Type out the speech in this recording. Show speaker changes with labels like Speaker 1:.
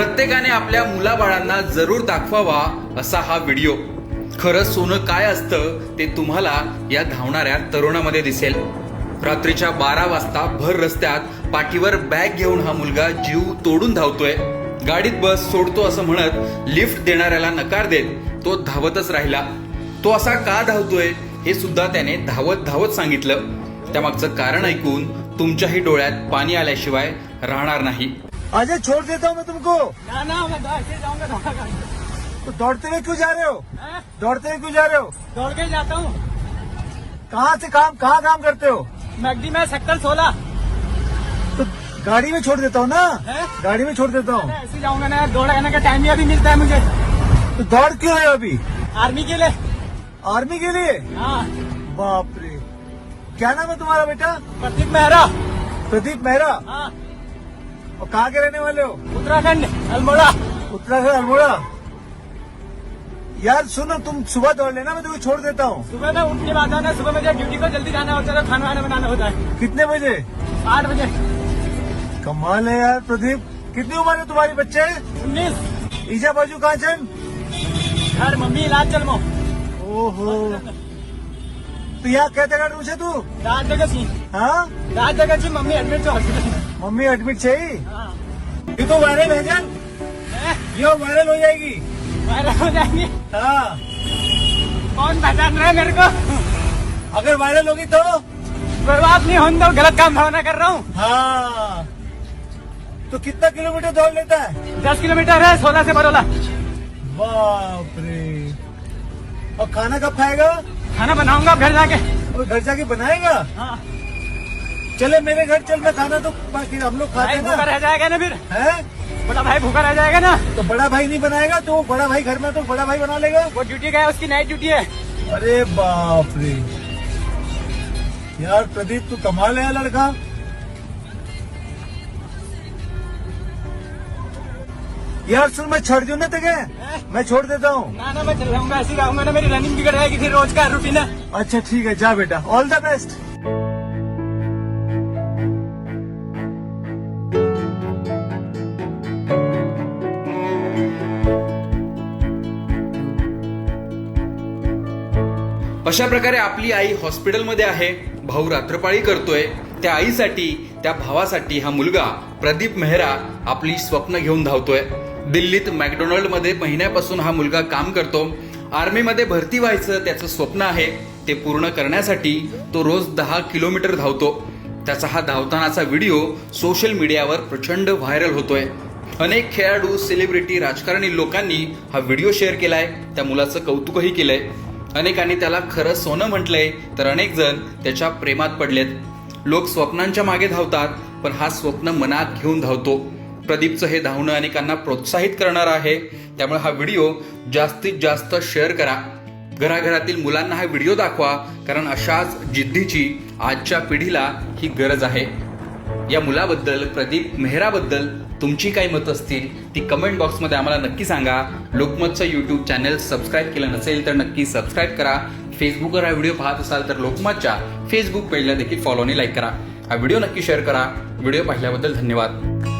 Speaker 1: प्रत्येकाने आपल्या मुलाबाळांना जरूर दाखवावा असा हा व्हिडिओ. खरं सोनं काय असतं ते तुम्हाला या धावणाऱ्या तरुणामध्ये दिसेल. रात्रीच्या 12 वाजता भर रस्त्यात पाठीवर बॅग घेऊन हा मुलगा जीव तोडून धावतोय. गाडीत बस सोडतो असं म्हणत लिफ्ट देणाऱ्याला नकार देत तो धावतच राहिला. तो असा का धावतोय हे सुद्धा त्याने धावत धावत सांगितलं. त्यामागचं कारण ऐकून तुमच्याही डोळ्यात पाणी आल्याशिवाय राहणार नाही.
Speaker 2: अजय छोड़ देता हूँ मैं तुमको.
Speaker 3: ना ना मैं ऐसे जाऊंगा दौड़ा
Speaker 2: तो दौड़ते हुए क्यों जा रहे हो?
Speaker 3: कर
Speaker 2: दौड़ते हुए क्यों जा रहे हो?
Speaker 3: दौड़ के ही जाता हूँ.
Speaker 2: कहाँ काम करते हो?
Speaker 3: मैगडी में सेक्टर 16.
Speaker 2: तो गाड़ी में छोड़ देता हूँ ना.
Speaker 3: है?
Speaker 2: गाड़ी में छोड़ देता हूँ.
Speaker 3: ऐसे जाऊंगा ना, दौड़ने का टाइम ही अभी मिलता है मुझे.
Speaker 2: तो दौड़ क्यों रहे हो अभी?
Speaker 3: आर्मी के लिए.
Speaker 2: आर्मी के लिए?
Speaker 3: हाँ.
Speaker 2: बाप रे. क्या नाम है तुम्हारा बेटा?
Speaker 3: प्रदीप मेहरा.
Speaker 2: प्रदीप मेहरा.
Speaker 3: हाँ.
Speaker 2: और कहाँ के रहने वाले हो?
Speaker 3: उत्तराखंड अल्मोड़ा.
Speaker 2: उत्तराखंड अल्मोड़ा. यार सुनो, तुम सुबह दौड़ लेना, मैं तुम्हें छोड़ देता हूँ.
Speaker 3: सुबह में उठ के बाद आना. सुबह मुझे ड्यूटी को जल्दी जाना होता है, खाना वाना बनाना होता है.
Speaker 2: कितने बजे?
Speaker 3: 8 बजे.
Speaker 2: कमाल है यार प्रदीप. कितनी उम्र है तुम्हारी बच्चे?
Speaker 3: 19.
Speaker 2: ईजा बाजू कहाँ चल?
Speaker 3: घर मम्मी इलाज चलमो.
Speaker 2: ओहो. तो यहाँ कहते काढून છે તું?
Speaker 3: रात जगह सी.
Speaker 2: हाँ,
Speaker 3: रात जगह सी मम्मी एडमिट छो हॉस्पिटल.
Speaker 2: मम्मी एडमिट છે.
Speaker 3: हाँ.
Speaker 2: ये तो वायरल है जान. ये वायरल हो जाएगी.
Speaker 3: वायरल हो जाएंगे.
Speaker 2: हाँ,
Speaker 3: कौन पहचान रहा है मेरे को?
Speaker 2: अगर वायरल होगी तो.
Speaker 3: कोई बात नहीं, हम तो गलत काम भावना कर रहा हूँ.
Speaker 2: हाँ, तो कितना किलोमीटर दौड़ लेता है?
Speaker 3: 10 किलोमीटर है 16 से बरोला.
Speaker 2: बाप रे. और खाना कब खाएगा?
Speaker 3: खाना बनाऊंगा घर जाके.
Speaker 2: और घर जाके बनाएगा?
Speaker 3: हाँ.
Speaker 2: चले मेरे घर चल, मैं खाना तो बाकी हम लोग खाते
Speaker 3: भाई
Speaker 2: हैं
Speaker 3: भूखा
Speaker 2: ना.
Speaker 3: रह जाएगा ना फिर.
Speaker 2: है?
Speaker 3: बड़ा भाई भूखा रह जाएगा ना.
Speaker 2: तो बड़ा भाई नहीं बनाएगा तो बड़ा भाई घर में तो बड़ा भाई बना लेगा.
Speaker 3: वो ड्यूटी गया, उसकी नाइट ड्यूटी है.
Speaker 2: अरे बाप रे. यार प्रदीप तू कमाल है लड़का. यार सुन, मैं छोड़ दूं ना तुझे. मैं छोड़ देता हूँ.
Speaker 3: ना ना मैं चल रहा ऐसे ही रहूंगा ना, मेरी रनिंग बिगड़ जाएगी फिर रोज का रूटीन है.
Speaker 2: अच्छा ठीक है, जा बेटा. All the best.
Speaker 1: अशा प्रकारे आपली आई हॉस्पिटलमध्ये आहे. भाऊ रात्रपाळी करतोय. त्या आईसाठी, त्या भावासाठी हा मुलगा प्रदीप मेहरा आपली स्वप्न घेऊन धावतोय. दिल्लीत मॅकडोनल्ड मध्ये महिन्यापासून हा मुलगा काम करतो. आर्मीमध्ये भरती व्हायचं त्याचं स्वप्न आहे. ते पूर्ण करण्यासाठी तो रोज 10 किलोमीटर धावतो. त्याचा हा धावतानाचा व्हिडिओ सोशल मीडियावर प्रचंड व्हायरल होतोय. अनेक खेळाडू, सेलिब्रिटी, राजकारणी लोकांनी हा व्हिडिओ शेअर केलाय. त्या मुलाचं कौतुकही केलंय. अनेकांनी त्याला खरं सोनं म्हटलंय, तर अनेक जण त्याच्या प्रेमात पडलेत. लोक स्वप्नांच्या मागे धावतात, पण हा स्वप्न मनात घेऊन धावतो. प्रदीपचं हे धावणं अनेकांना प्रोत्साहित करणार आहे. त्यामुळे हा व्हिडिओ जास्तीत जास्त शेअर करा. घराघरातील मुलांना हा व्हिडिओ दाखवा, कारण अशाच जिद्दीची आजच्या पिढीला ही गरज आहे. या मुलाबद्दल, प्रदीप मेहराबद्दल तुमची काही मत असतील ती कमेंट बॉक्समध्ये आम्हाला नक्की सांगा. लोकमतचं यूट्यूब चॅनल सबस्क्राईब केलं नसेल तर नक्की सबस्क्राईब करा. फेसबुकवर हा व्हिडिओ पाहत असाल तर लोकमतच्या फेसबुक पेजला देखील फॉलो आणि लाईक करा. हा व्हिडिओ नक्की शेअर करा. व्हिडिओ पाहिल्याबद्दल धन्यवाद.